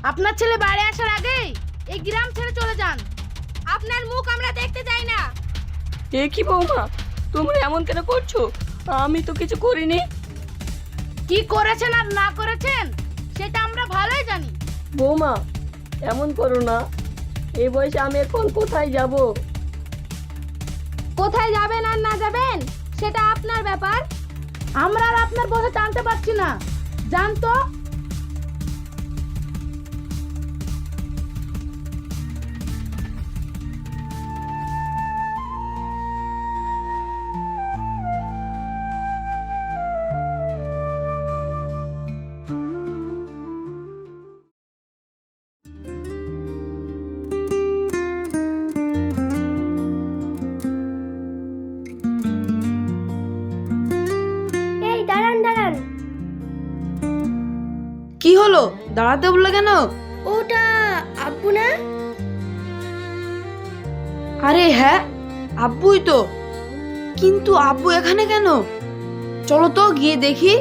আপনার ছেলে বাড়ি আসার আগেই এই গ্রাম ছেড়ে চলে যান। আপনার মুখ আমরা দেখতে চাই না। এ কি বৌমা, তোমরা এমন কেন করছো? আমি তো কিছু করিনি। কি করেছেন আর না করেছেন সেটা আমরা ভালোই জানি। বৌমা এমন করো না, এই বয়সে আমি এখন কোথায় যাব? কোথায় যাবেন আর না যাবেন সেটা আপনার ব্যাপার। আমরা আর আপনার কথা জানতে পারছি না। জান তো। এই দাঁড়ান দাঁড়ান। কি হলো, দাঁড়াতে বললে কেন? ওটা আব্বু না? আরে হ্যাঁ, আব্বুই তো। কিন্তু আব্বু এখানে কেন? চলো তো গিয়ে দেখি।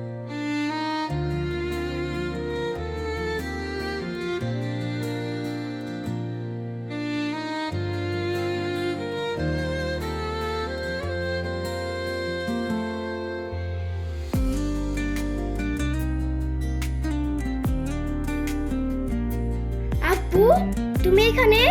আব্বু তুমি এখানে?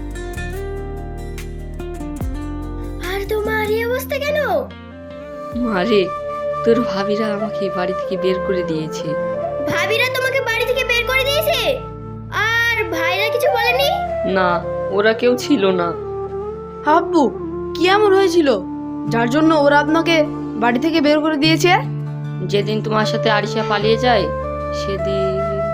আর তোমার এই অবস্থা কেন? মারে, তোর ভাবিরা আমাকে বাড়ি থেকে বের করে দিয়েছে। ভাবিরা তোমাকে বাড়ি থেকে বের করে দিয়েছে? আর ভাইরা কিছু বলেনি? না, ওরা কেউ ছিল না। আব্বু কি এমন হয়েছিল যার জন্য ওরা আপনাকে বাড়ি থেকে বের করে দিয়েছে? যেদিন তোমার সাথে আরিশা পালিয়ে যায় সেদিন।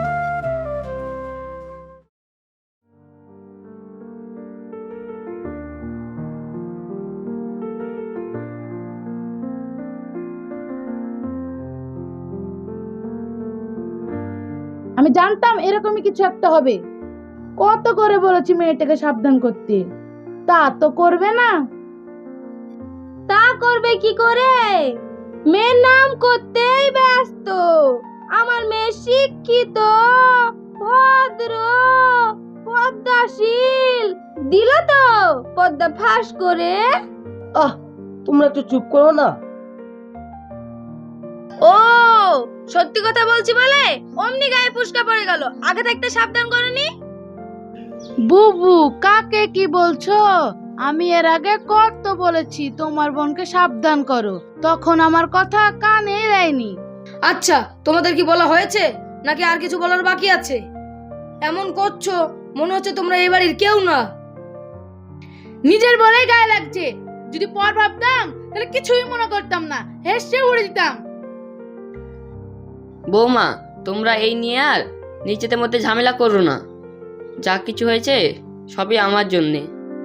আমি জানতাম এরকমই কিছু একটা হবে। কত করে বলেছি মেয়েটাকে সাবধান করতে, তা তো করবে না। তা করবে কি করে? মেয়ের নাম করতেই ব্যস্ত। আমার মেয়ে শিক্ষিত, ভদ্র, পদ্মাশীল। দিল তো পদ্মা ফাঁস করে। তোমরা একটু চুপ করো না। ও সত্যি কথা বলছি বলে অমনি গায়ে ফুসকা পড়ে গেল। আগে থাকতে সাবধান করনি। বুবু কাকে কি বলছো? আমি এর আগে কত বলেছি তোমার বোনকে সাবধান করো, তখন আমার কথা কানে দেয়নি। আচ্ছা, তোমাদের কি বলা হয়েছে নাকি আর কিছু বলার বাকি আছে? এমন করছো মনে হচ্ছে তোমরা এই বাড়ির কেউ না। নিজের বলেই গায়ে লাগছে। যদি পর ভাবতাম তাহলে কিছুই মনে করতাম না, হেসে উড়ে দিতাম। বৌমা, তোমরা এই নিয়ে আর নিজেদের মধ্যে ঝামেলা করো না। যা কিছু হয়েছে সবই আমার জন্যে।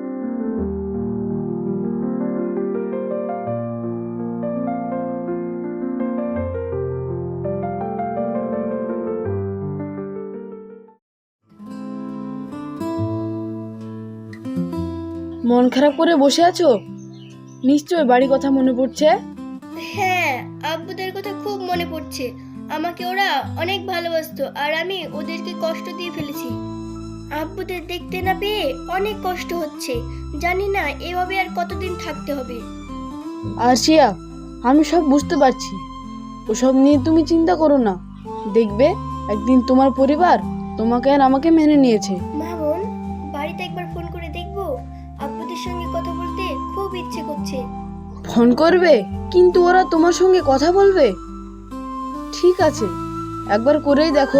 মন খারাপ করে বসে আছো? নিশ্চয় বাড়ি কথা মনে পড়ছে। হ্যাঁ, আব্বুদের কথা খুব মনে পড়ছে। আমাকে ওরা অনেক ভালোবাসতো আর আমি ওদেরকে কষ্ট দিয়ে ফেলেছি। আব্বুদের দেখতে না পেয়ে অনেক কষ্ট হচ্ছে। জানি না এভাবে আর কতদিন থাকতে হবে। আরশিয়া, আমি সব বুঝতে পারছি। ওসব নিয়ে তুমি চিন্তা করো না। দেখবে একদিন তোমার পরিবার তোমাকে আর আমাকে মেনে নিয়েছে। মা বোন, বাড়িতে একবার ফোন করে দেখবো। আব্বুদের সঙ্গে কথা বলতে খুব ইচ্ছে করছে। ফোন করবে? কিন্তু ওরা তোমার সঙ্গে কথা বলবে? ঠিক আছে, একবার করেই দেখো।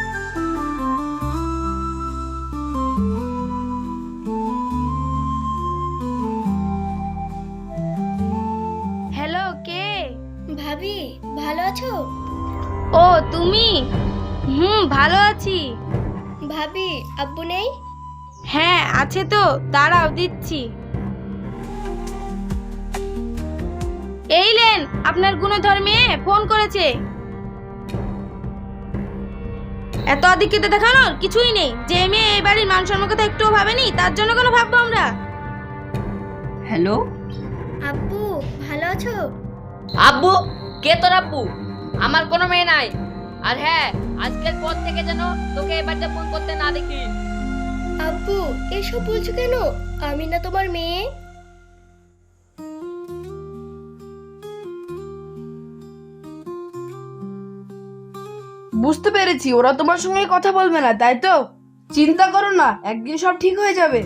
হ্যালো, কে? ভাবি, ভালো আছো? ও তুমি? ভালো আছি। ভাবি, আব্বু নেই? হ্যাঁ আছে তো, দাঁড়াও দিচ্ছি। এই লেন, আপনার গুণধর মেয়ে ফোন করেছে। এত আধিক্যতা দেখানোর কিছুই নেই। যে মেয়ে এই বাড়ির মান সম্মান কথা একটুও ভাবেনি, তার জন্য কোনো ভাববো আমরা? হ্যালো আব্বু, ভালো আছো? আব্বু? কে তোর আব্বু? আমার কোনো মেয়ে নাই। আর হ্যাঁ, আজকের পর থেকে যেন তোকে এই বাড়িতে ফোন করতে না দেখি। আব্বু এসব বলছো কেন? আমি না তোমার মেয়ে? বুঝতে পেরেছি, ওরা তোমার সঙ্গে কথা বলবে না, তাই তো? চিন্তা করো না, একদিন সব ঠিক হয়ে যাবে।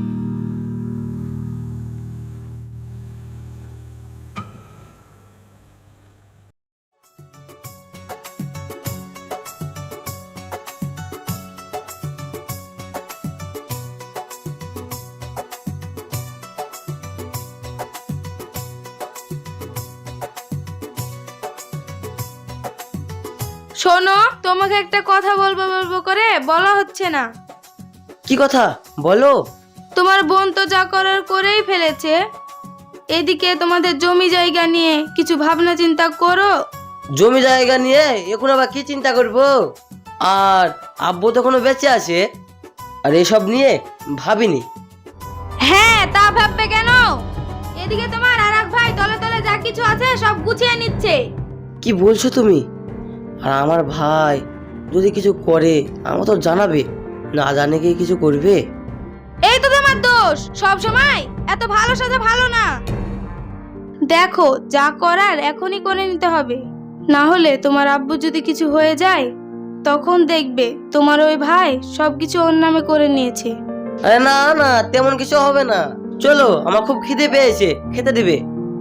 শোনো, তোমাকে একটা কথা বলবো বলবো করে বলা হচ্ছে না। কি কথা বলো? তোমার বোন তো যা করার করেই ফেলেছে। এদিকে তোমাদের জমি জায়গা নিয়ে কিছু ভাবনা চিন্তা করো। জমি জায়গা নিয়ে এখন আবার কি চিন্তা করব? আর আব্বু তো এখনো বেঁচে আছে, আর এসব নিয়ে ভাবিনি। হ্যাঁ, তা ভাববে কেন? এদিকে তোমার আরেক ভাই তলে তলে যা কিছু আছে সব গুছিয়ে নিচ্ছে। কি বলছো তুমি? আর আমার ভাই যদি কিছু করে আমার তো জানাবে, না জানে কি কিছু করবে? এই তো তোমার দোষ, সব সময় এত ভালো সাজা ভালো না। দেখো, যা করার এখনই করে নিতে হবে, না হলে তোমার আব্বু যদি কিছু হয়ে যায় তখন দেখবে তোমার ওই ভাই সবকিছু ওর নামে করে নিয়েছে। আরে না না, তেমন কিছু হবে না। চলো, আমার খুব খিদে পেয়েছে, খেতে দিবে।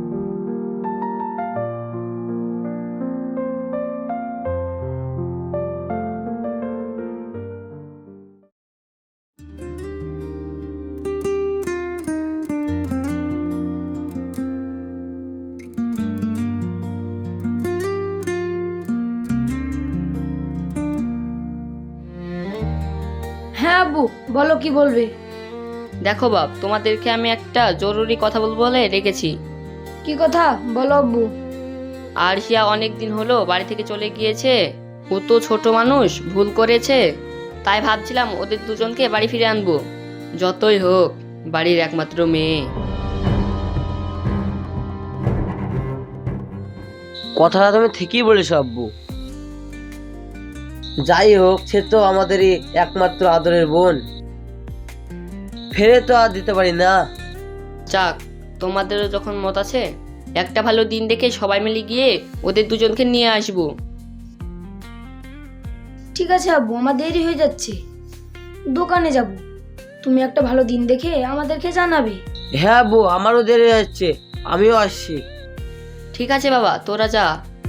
হ্যাঁ আব্বু, বলো কি বলবে। দেখো বাপ, তোমাদেরকে আমি একটা জরুরি কথা বলবো বলে রেখেছি। কি কথা বলো আব্বু। আরশিয়া অনেক দিন হলো বাড়ি থেকে চলে গিয়েছে। ও তো ছোট মানুষ, ভুল করেছে। তাই ভাবছিলাম ওদের দুজনকে বাড়ি ফিরে আনবো। যতই হোক বাড়ির একমাত্র মেয়ে। কথাটা তুমি ঠিকই বলেছো আব্বু। যাই হোক, সে তো আমাদেরই একমাত্র আদরের বোন, ফেরে তো আর দিতে পারি না। যাক, তোমাদেরও যখন মত আছে, একটা ভালো দিন দেখে সবাই মিলে গিয়ে ওদের দুজনকে নিয়ে আসবো। ঠিক আছে আব্বু, আমার দেরি হয়ে যাচ্ছে, দোকানে যাব। তুমি একটা ভালো দিন দেখে আমাদেরকে জানাবে। হ্যাঁ আব্বু, আমারও দেরি যাচ্ছে, আমিও আসছি। ঠিক আছে বাবা, তোরা যা।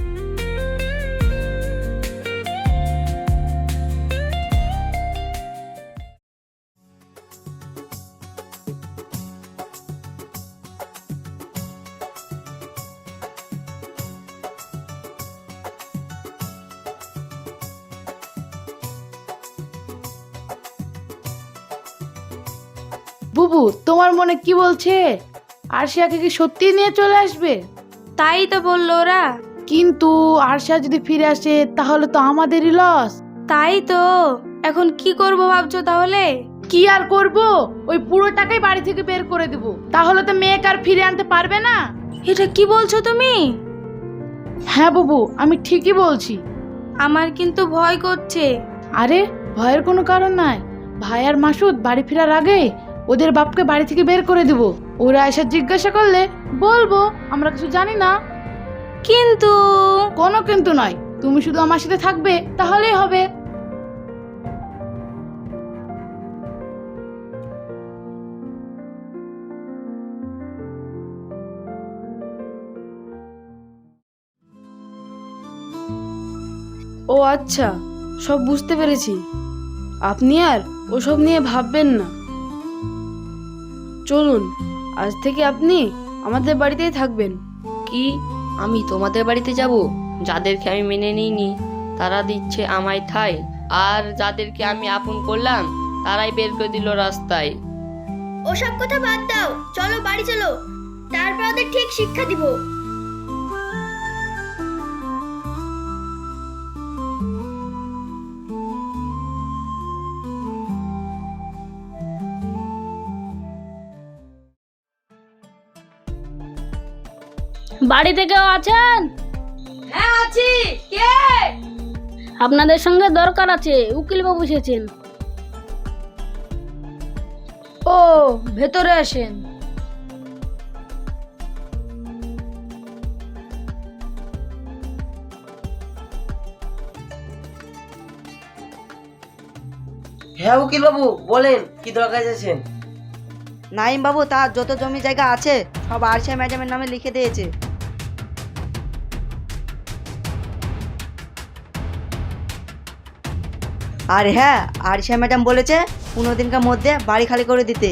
বুবু, তোমার মনে কি বলছে? আরশিয়াকে কি সত্যি নিয়ে চলে আসবে? তাই তো বললো ওরা। কিন্তু আরশিয়া যদি ফিরে আসে তাহলে তো আমাদেরই লস। তাই তো, এখন কি করব ভাবছো তাহলে? কি আর করব, ওই পুরো টাকাই বাড়ি থেকে বের করে দেব। তাহলে তো মেয়েকে আর ফিরে আনতে পারবে না। এটা কি বলছো তুমি? হ্যাঁ বুবু, আমি ঠিকই বলছি। আমার কিন্তু ভয় করছে। আরে ভয়ের কোনো কারণ নাই। ভাই আর মাসুদ বাড়ি ফেরার আগে ওদের বাপকে বাড়ি থেকে বের করে দেব। ওরা এসে জিজ্ঞাসা করলে বলবো আমরা কিছু জানি না। কিন্তু কোনো কিন্তু নয়, তুমি শুধু আমার সাথে থাকবে তাহলেই হবে। ও আচ্ছা, সব বুঝতে পেরেছি। আপনি আর ওসব নিয়ে ভাববেন না। চলুন, আজ থেকে আপনি আমাদের বাড়িতেই থাকবেন। কি, আমি তোমাদের বাড়িতে যাব? যাদেরকে আমি মেনে নিইনি তারা দিচ্ছে আমায় ঠাঁই, আর যাদেরকে আমি আপন করলাম তারাই বের করে দিল রাস্তায়। ওসব কথা বাদ দাও, চলো বাড়ি চলো, তারপর ওদের ঠিক শিক্ষা দিব। বাড়িতে কেউ আছেন? হ্যাঁ আছি। কে? আপনাদের সঙ্গে দরকার আছে, উকিল বাবু এসেছেন। ও, ভেতরে আসেন। হ্যাঁ উকিল বাবু বলেন, কি দরকার আছেন? নাইম বাবু তার যত জমি জায়গা আছে সব আরশিয়া ম্যাডামের নামে লিখে দিয়েছে। আর হ্যাঁ, আরশিয়া ম্যাডাম বলেছে 15 দিনের মধ্যে বাড়ি খালি করে দিতে।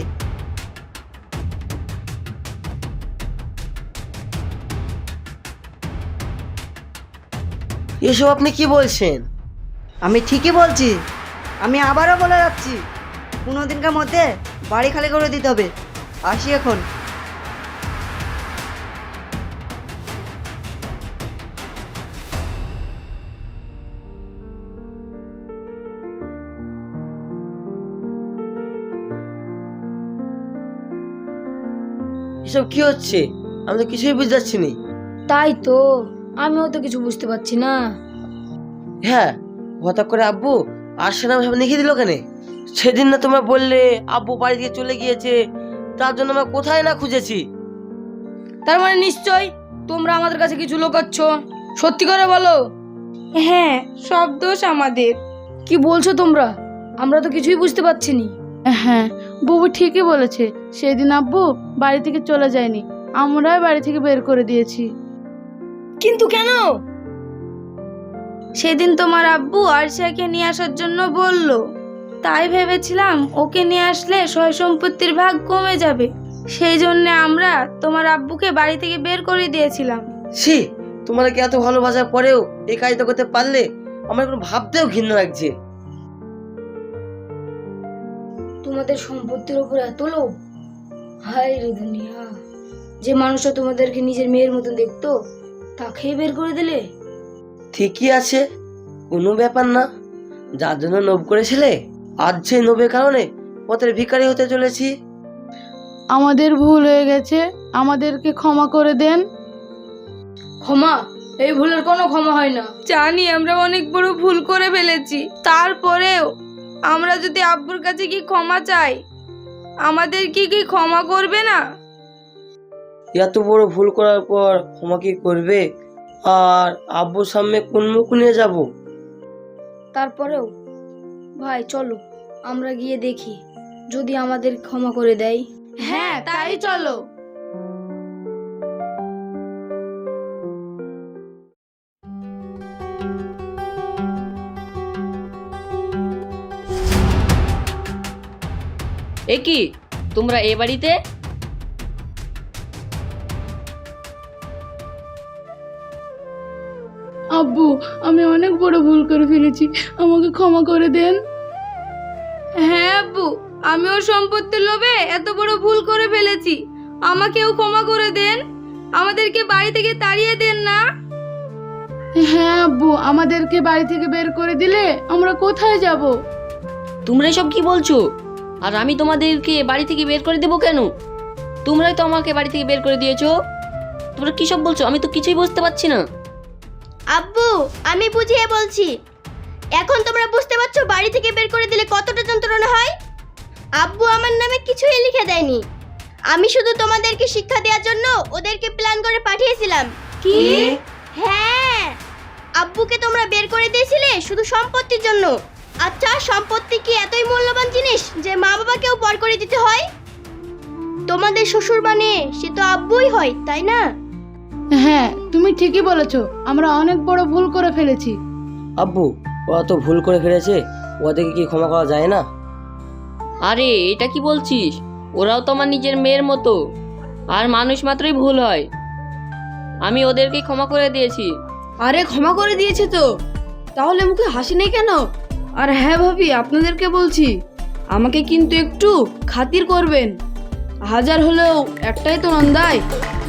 এসব আপনি কি বলছেন? আমি ঠিকই বলছি, আমি আবারও বলে যাচ্ছি 15 দিনের মধ্যে বাড়ি খালি করে দিতে হবে। আসি এখন। এসব কি হচ্ছে? আমি তো কিছুই বুঝতে পারছি না। তাই তো, আমিও তো কিছু বুঝতে পারছি না। হ্যাঁ, হঠাৎ করে আব্বু আরশিয়া নাম সব লিখে দিল কেন? সেদিন না তোমরা বললে আব্বু বাড়ি থেকে চলে গিয়েছে, তার জন্য আমরা কোথায় না খুঁজেছি। তার মানে নিশ্চয় তোমরা আমাদের কাছে কিছু লুকাচ্ছ। সত্যি করে বলো। হ্যাঁ, সব দোষ আমাদের। কি বলছো তোমরা? আমরা তো কিছুই বুঝতে পারছি না। হ্যাঁ, বুবু ঠিকই বলেছে। সেদিন আব্বু বাড়ি থেকে চলে যায়নি, আমরাই বাড়ি থেকে বের করে দিয়েছি। কিন্তু কেন? সেদিন তোমার আব্বু আরশিয়াকে নিয়ে আসার জন্য বলল, তাই ভেবেছিলাম ওকে নিয়ে আসলে সয় সম্পত্তির ভাগ কমে যাবে। সেই জন্য আমরা তোমার আব্বুকে বাড়ি থেকে বের করে দিয়েছিলাম। ছি, তোমরা কি এত ভালোবাসার পরেও এই কাজটা করতে পারলে? আমার কোনো ভাবতেও ঘৃণা লাগছে। তোমাদের সম্পত্তির উপর এত লোভ! হায় রে দুনিয়া, যে মানুষটা তোমাদেরকে নিজের মেয়ের মতন দেখতো তাকেই বের করে দিলে। ঠিকই আছে, কোনো ব্যাপার না। যার জন্য লোভ করেছিলে, আজ সেই লোভের কারণে পথের ভিখারি হতে চলেছি। আমাদের ভুল হয়ে গেছে, আমাদেরকে ক্ষমা করে দেন। ক্ষমা? এই ভুলের কোনো ক্ষমা হয় না। জানি আমরা অনেক বড় ভুল করে ফেলেছি, তারপরেও আমরা যদি আব্বুর কাছে কি ক্ষমা চাই, আমাদের কি ক্ষমা করবে না? এত বড় ভুল করার পর ক্ষমা কি করবে? আর আব্বুর সামনে কোন মুখ নিয়ে যাব? তারপরেও ভাই চলো আমরা গিয়ে দেখি যদি আমাদের ক্ষমা করে দেয়। হ্যাঁ, তাই চলো। এ কি, তোমরা এ বাড়িতে? আব্বু, আমি অনেক বড় ভুল করে ফেলেছি, আমাকে ক্ষমা করে দেন। হ্যাঁ আব্বু, আমিও সম্পত্তির লোভে এত বড় ভুল করে ফেলেছি, আমাকেও ক্ষমা করে দেন। আমাদেরকে বাড়ি থেকে তাড়িয়ে দেন না। হ্যাঁ আব্বু, আমাদেরকে বাড়ি থেকে বের করে দিলে আমরা কোথায় যাব? তোমরা এসব কি বলছো? আর আমি তোমাদেরকে বাড়ি থেকে বের করে দেবো কেন? তোমরাই তো আমাকে বাড়ি থেকে বের করে দিয়েছো। তোমরা কি সব বলছো? আমি তো কিছুই বুঝতে পারছি না। আব্বু, আমি বুঝিয়ে বলছি। এখন তোমরা বুঝতে পারছো বাড়ি থেকে বের করে দিলে কতটা যন্ত্রণা হয়। আব্বু আমার নামে কিছুই লিখে দেয়নি, আমি শুধু তোমাদেরকে শিক্ষা দেওয়ার জন্য ওদেরকে প্ল্যান করে পাঠিয়েছিলাম। কি? হ্যাঁ, আব্বুকে তোমরা বের করে দিয়েছিলে শুধু সম্পত্তির জন্য। আচ্ছা, সম্পত্তি কি এতই মূল্যবান জিনিস যে মা বাবাকেও পর করে দিতে হয়? তোমাদের শ্বশুর মানে সে তো আব্বুই হয়, তাই না? হ্যাঁ, তুমি ঠিকই বলেছো, আমরা অনেক বড় ভুল করে ফেলেছি। আব্বু, ওরা তো ভুল করে ফেলেছে, ওদেরকে কি ক্ষমা করা যায় না? আরে এটা কি বলছিস? ওরাও তো আমার নিজের মেয়ের মতো, আর মানুষ মাত্রই ভুল হয়। আমি ওদেরকে ক্ষমা করে দিয়েছি। আরে ক্ষমা করে দিয়েছে তো, তাহলে মুখে হাসি নেই কেন? আর হ্যাঁ ভাবি, আপনাদেরকে বলছি, আমাকে কিন্তু একটু খাতির করবেন। হাজার হলেও একটাই তো নন্দাই।